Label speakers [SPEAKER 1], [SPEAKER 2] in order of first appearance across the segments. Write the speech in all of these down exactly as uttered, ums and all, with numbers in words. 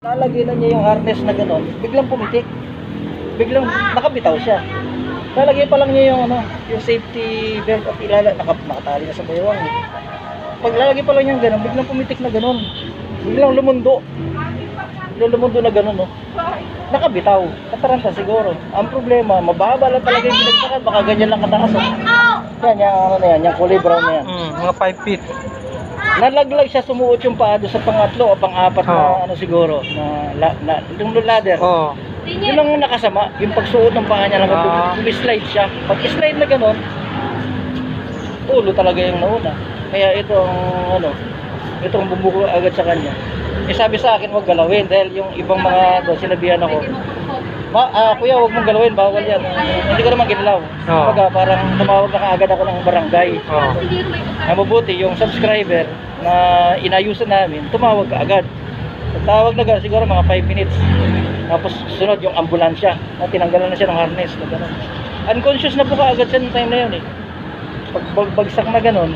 [SPEAKER 1] Lalagyan na niya yung harness na gano'n, biglang pumitik. Biglang nakabitaw siya. Lalagyan pa lang niya yung ano, yung safety belt at ilala, naka, nakatali na sa baywang. Pag lalagyan pa lang niya gano'n, biglang pumitik na gano'n. Biglang lumundo. Biglang lumundo na gano'n, no. Nakabitaw. Kataranta siguro. Ang problema, mababa lang talaga yung binagsakan, baka ganyan lang kataas. Oh. Yan, yung ano na yan, yung kulay brown na yan.
[SPEAKER 2] Mm, mga five feet.
[SPEAKER 1] Nalaglag siya, sumuot yung paa doon sa pangatlo o pang-apat na
[SPEAKER 2] Oh.
[SPEAKER 1] ano siguro, na, na, na yung ladder.
[SPEAKER 2] Oh.
[SPEAKER 1] Yun ang nakasama, yung pagsuot ng paa niya lang,
[SPEAKER 2] Ah.
[SPEAKER 1] slide siya. Pag slide na gano'n, ulo talaga yung nauna. Kaya ito ang ano, itong bumuko agad sa kanya. Eh sabi sa akin, huwag galawin dahil yung ibang mga doon, sinabihan ako, Ma, ah, kuya, huwag mong galawin, bawal yan. Uh, hindi ko naman ginalaw.
[SPEAKER 2] Oh.
[SPEAKER 1] Kumbaga, parang tumawag na kaagad ako ng barangay.
[SPEAKER 2] Oh.
[SPEAKER 1] Na mabuti, yung subscriber na inayusan namin, tumawag ka agad. So, tawag na gano'n, siguro mga five minutes. Tapos sunod yung ambulansya, na tinanggalan na siya ng harness. Na gano'n. Unconscious na po kaagad siya ng time na yun eh. Pag bag- bagsak na gano'n,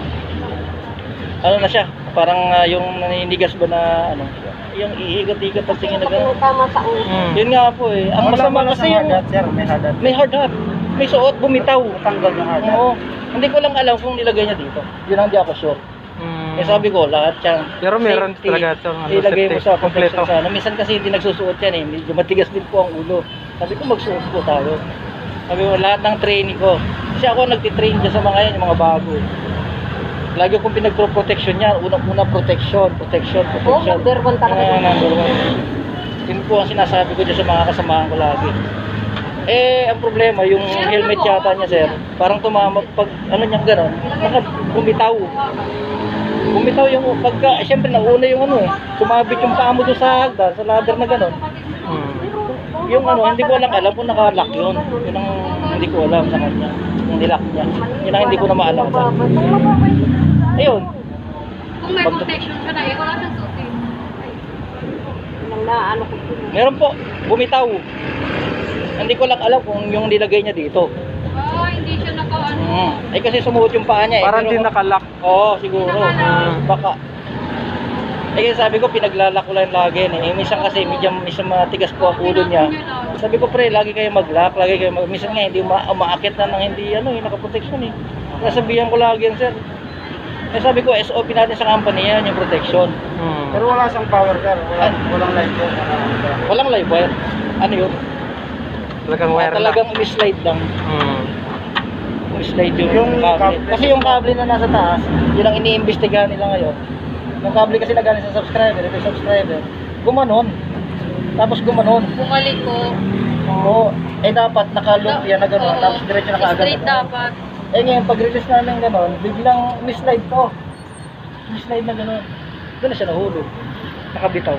[SPEAKER 1] ano na siya, parang uh, yung naninigas ba na ano, yung iigat-igat at tingin na gano'n.
[SPEAKER 3] Tama sa ulo.
[SPEAKER 2] Mm.
[SPEAKER 1] Yun nga po eh. Ang masama kasi yung
[SPEAKER 4] sir, may hadat.
[SPEAKER 1] may hard hat. May suot, bumitaw.
[SPEAKER 4] Tanggal yung hadat.
[SPEAKER 1] Oo. Hindi ko lang alam kung nilagay niya dito. Yun ang di ako sure.
[SPEAKER 2] Mm.
[SPEAKER 1] Eh sabi ko, lahat yan.
[SPEAKER 2] Pero meron
[SPEAKER 1] safety,
[SPEAKER 2] talaga ito, ano,
[SPEAKER 1] ilagay mo
[SPEAKER 2] safety,
[SPEAKER 1] sa protection
[SPEAKER 2] kompleto.
[SPEAKER 1] sa ano. Minsan kasi hindi nagsusuot yan eh. Medyo matigas din po ang ulo. Sabi ko, magsuot po tayo. Sabi ko, lahat ng training ko. Kasi ako nagtitrain dyan sa mga yan, yung mga bago. Lagi kong pinagpro-protection yan. Unang-una protection, protection,
[SPEAKER 3] Oo,
[SPEAKER 1] protection.
[SPEAKER 3] number one talaga.
[SPEAKER 1] Ah, number one. Yun po ang sinasabi ko dyan sa mga kasamahan ko lagi. Eh, ang problema, yung helmet yata niya, sir, parang tumama, pag ano niya gano'n, naka, bumitaw. Bumitaw yung, pagka, eh, syempre nauna yung ano eh, sumabit yung paa mo doon sa hagdan, sa ladder na gano'n.
[SPEAKER 2] Mm.
[SPEAKER 1] Yung ano, hindi ko lang alam kung naka-lock yun. Yun ang hindi ko alam sa kanya, yung nilock niya. Yun ang hindi ko na maalam. Ayun.
[SPEAKER 5] Kung may protection siya na, eh, wala siyang suotin.
[SPEAKER 3] Nang naano ko po.
[SPEAKER 1] Meron po, bumitaw. Hindi ko lang alam kung yung nilagay niya dito.
[SPEAKER 5] Ah, hindi siya naka-ano.
[SPEAKER 1] Hmm. Eh kasi sumuot yung paa niya eh.
[SPEAKER 2] Parang
[SPEAKER 1] Pero-
[SPEAKER 2] di nakalock.
[SPEAKER 1] Oo, siguro.
[SPEAKER 2] Mm.
[SPEAKER 1] Baka. Eh kasi sabi ko, pinaglalak ko lang lagi. Eh. Minsan kasi, medyo, minsan matigas po ang ulo niya. Sabi ko, pre, lagi kayo mag-lock, lagi kayo mag... Minsan nga, hindi uma umaakit na ng hindi, ano, yung nakaprotection eh. Nasabihan ko lagi yan, sir. Eh sabi ko, S O P natin sa company yan, yung protection.
[SPEAKER 2] Mm.
[SPEAKER 4] Pero wala siyang power sir, wala, walang light yun.
[SPEAKER 1] Walang live wire. Ano yun?
[SPEAKER 2] Talagang
[SPEAKER 1] Ah,
[SPEAKER 2] wire lang.
[SPEAKER 1] talagang slide lang.
[SPEAKER 2] Mm.
[SPEAKER 1] Slide yung,
[SPEAKER 4] Yung
[SPEAKER 1] cable.
[SPEAKER 4] cable.
[SPEAKER 1] Kasi yung cable na nasa taas, yun ang iniimbestigahan nila ngayon. Yung cable kasi na galing sa subscriber, ito yung subscriber, gumanon. Tapos gumanon.
[SPEAKER 5] Bumalik ko.
[SPEAKER 1] Oo. Eh dapat naka-loop yan na gano'n,
[SPEAKER 5] Oo.
[SPEAKER 1] tapos diretso na kaagad.
[SPEAKER 5] Straight dapat.
[SPEAKER 1] Eh ngayon, pag-release namin gano'n, biglang mislide to. Mislide na gano'n. Doon na siya nahulog. Nakabitaw.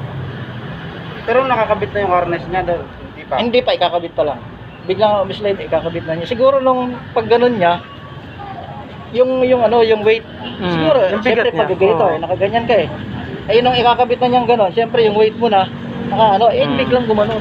[SPEAKER 4] Pero nakakabit na yung harness niya daw, hindi pa.
[SPEAKER 1] Hindi pa, ikakabit pa lang. Biglang mislide, ikakabit na niya. Siguro nung pag gano'n niya, yung yung ano, yung weight,
[SPEAKER 2] Mm,
[SPEAKER 1] siguro,
[SPEAKER 2] yung
[SPEAKER 1] siyempre
[SPEAKER 2] bigat niya.
[SPEAKER 1] pag ganito,
[SPEAKER 2] Oo.
[SPEAKER 1] eh, nakaganyan ka eh. Ayun nung ikakabit na niyang gano'n, siyempre yung weight mo na, naka ano, eh
[SPEAKER 2] Mm.
[SPEAKER 1] biglang gumanon.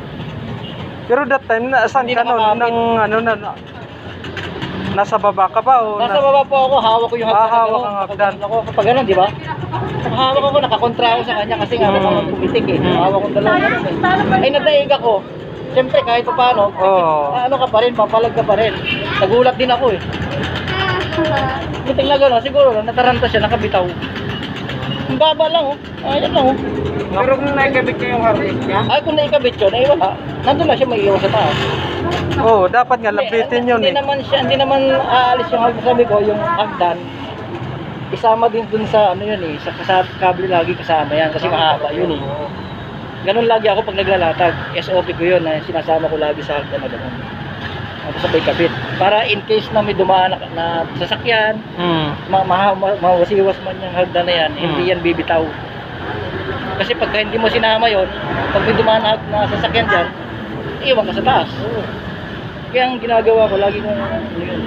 [SPEAKER 2] Pero that time, nasaan
[SPEAKER 1] Hindi
[SPEAKER 2] ka nun?
[SPEAKER 1] nakakapit.
[SPEAKER 2] Nang ano na, na nasa baba ka ba? O
[SPEAKER 1] Nasa
[SPEAKER 2] nas-
[SPEAKER 1] baba po ako, hawak ko yung
[SPEAKER 2] Ah,
[SPEAKER 1] hagdan.
[SPEAKER 2] hawak ang hagdan.
[SPEAKER 1] Ako, kapag gano'n, di ba? Hawak ako, nakakontra ako sa kanya kasi nga
[SPEAKER 2] Mm.
[SPEAKER 1] baka pumitik eh.
[SPEAKER 2] Mm.
[SPEAKER 1] Hawak kong dalawa gano'n eh. Ay, nadaig ako. Siyempre, kahit pa paano,
[SPEAKER 2] Oo.
[SPEAKER 1] ano ka pa rin, papalag ka pa rin. Nagulat din ako eh. Buting na gano'n, siguro lang, nataranta siya, nakabitaw. Ang baba lang oh. Ayan lang oh.
[SPEAKER 4] Pero kung nakikabit niya yung harness niya,
[SPEAKER 1] Ay, kung naikabit yun, ay wala. Nandun lang siya may iwan sa taas.
[SPEAKER 2] Oo, dapat nga lapitin
[SPEAKER 1] Hindi-
[SPEAKER 2] yun
[SPEAKER 1] hindi
[SPEAKER 2] eh.
[SPEAKER 1] naman siya, hindi naman aalis yung hagdan. Sabi ko, yung hagdan, isama din dun sa ano yun eh, sa kasab kable lagi kasama yan kasi mahaba yun eh. Ganun lagi ako pag naglalatag. S O P ko yun na sinasama ko lagi sa hagdan na ganun. Tapos sabay kabit. Para in case na may dumaan na, na sasakyan,
[SPEAKER 2] Mm.
[SPEAKER 1] ma ma ma mawasiwas man yung hagdan na yan,
[SPEAKER 2] Hmm.
[SPEAKER 1] hindi yan bibitaw. Kasi pagka hindi mo sinama yon, pag may dumaan na, na sasakyan dyan, iwan ka sa taas. Kaya ang ginagawa ko, lagi kong ano yun.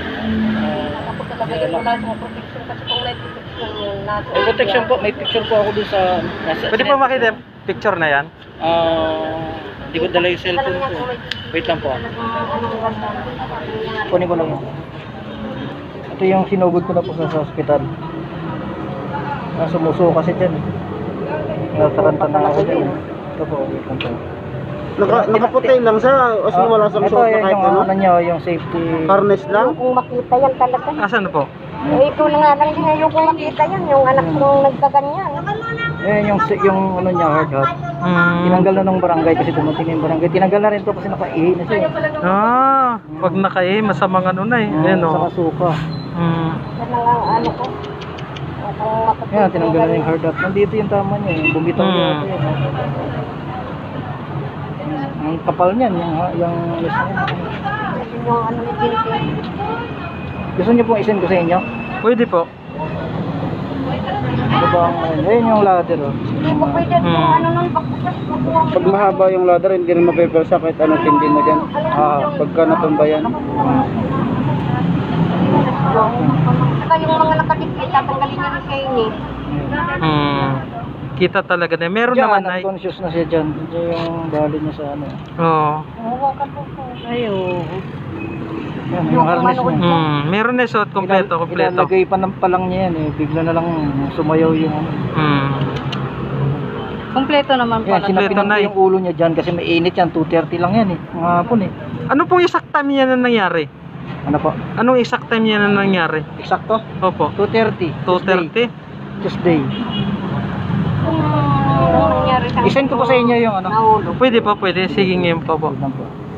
[SPEAKER 1] Ah,
[SPEAKER 3] Kapag talaga wala siyang protection kasi kung may protection yung nasa.
[SPEAKER 1] may protection po, may picture po ako dun sa... Nasa,
[SPEAKER 2] Pwede pa makita yung picture na yan?
[SPEAKER 1] Ah, hindi ko dala yung cellphone ko. Wait lang po. Kunin ko lang yun. Ito yung sinugod ko na po sa, sa hospital. Ah, sumuso kasi dyan. Nataranta na ako dyan. Ito po, wait lang po.
[SPEAKER 4] Naka, nakaputi lang siya, as in wala siyang
[SPEAKER 1] ito,
[SPEAKER 4] suot na
[SPEAKER 1] yun
[SPEAKER 4] kahit
[SPEAKER 1] yung
[SPEAKER 4] ano.
[SPEAKER 1] ano nyo, yung safety.
[SPEAKER 4] Harness lang.
[SPEAKER 3] Kung makita yan talaga.
[SPEAKER 2] Asan na po?
[SPEAKER 3] Eh, ito na nga lang din yung kung makita yan, yung anak mong nagkaganyan.
[SPEAKER 1] Yun yung, yung ano niya, hard hat.
[SPEAKER 2] Hmm.
[SPEAKER 1] Tinanggal na ng barangay kasi dumating na yung barangay. Tinanggal na rin to kasi nakaihi na siya.
[SPEAKER 2] Ah, pag nakae, masamang ano na eh. Ayan
[SPEAKER 1] Sa
[SPEAKER 2] o.
[SPEAKER 1] kasuka.
[SPEAKER 2] Hmm.
[SPEAKER 3] Yan na nga ang ano ko. Kung makita.
[SPEAKER 1] Yan, tinanggal na yung hard hat. Nandito yung tama niya. Yung bumitaw
[SPEAKER 2] Hmm.
[SPEAKER 1] niya. Ito, yan. Ang kapal niyan, yung, yung yes na yan.
[SPEAKER 3] Yung ano ni Jinping.
[SPEAKER 1] Gusto niyo pong isend ko sa inyo?
[SPEAKER 2] Pwede po.
[SPEAKER 1] Ano ba ang, ayun yung ladder oh.
[SPEAKER 3] Hindi mo pwede
[SPEAKER 2] Hmm.
[SPEAKER 3] kung ano nun, bakit makuha mo.
[SPEAKER 4] Pag mahaba yung ladder, hindi rin mapipelsa kahit anong tindi mo dyan.
[SPEAKER 1] Ah,
[SPEAKER 4] Pagka natumba yan.
[SPEAKER 3] Saka yung mga nakadikit, tatanggalin niya ni Shane eh.
[SPEAKER 2] Hmm. Kita talaga na. Meron
[SPEAKER 1] Diyan,
[SPEAKER 2] naman ay.
[SPEAKER 1] unconscious na siya dyan. Diyan yung dali niya sa ano.
[SPEAKER 2] Oo.
[SPEAKER 3] Hawakan mo po.
[SPEAKER 1] Ay, oo. Yan, yung harness niya.
[SPEAKER 2] Hmm. Meron na suot kompleto,
[SPEAKER 1] Ilal-
[SPEAKER 2] kompleto.
[SPEAKER 1] Ilalagay pa ng palang niya yan eh. Bigla na lang sumayaw yung ano.
[SPEAKER 2] Hmm.
[SPEAKER 5] Kompleto naman
[SPEAKER 1] Yan, sinapinan
[SPEAKER 2] na
[SPEAKER 1] ko
[SPEAKER 2] eh.
[SPEAKER 1] yung ulo niya dyan kasi may init yan. two thirty lang yan eh. Mga hapon eh.
[SPEAKER 2] Ano pong exact time niya na nangyari?
[SPEAKER 1] Ano po?
[SPEAKER 2] Anong exact time niya na nangyari?
[SPEAKER 1] Eksakto?
[SPEAKER 2] Opo.
[SPEAKER 1] two thirty.
[SPEAKER 2] two thirty?
[SPEAKER 1] Tuesday.
[SPEAKER 3] Kung nangyari sa
[SPEAKER 1] I-send ko po sa inyo yung ano.
[SPEAKER 3] nahulog.
[SPEAKER 2] Pwede po, pwede. Sige ngayon po po.
[SPEAKER 1] Wait lang po.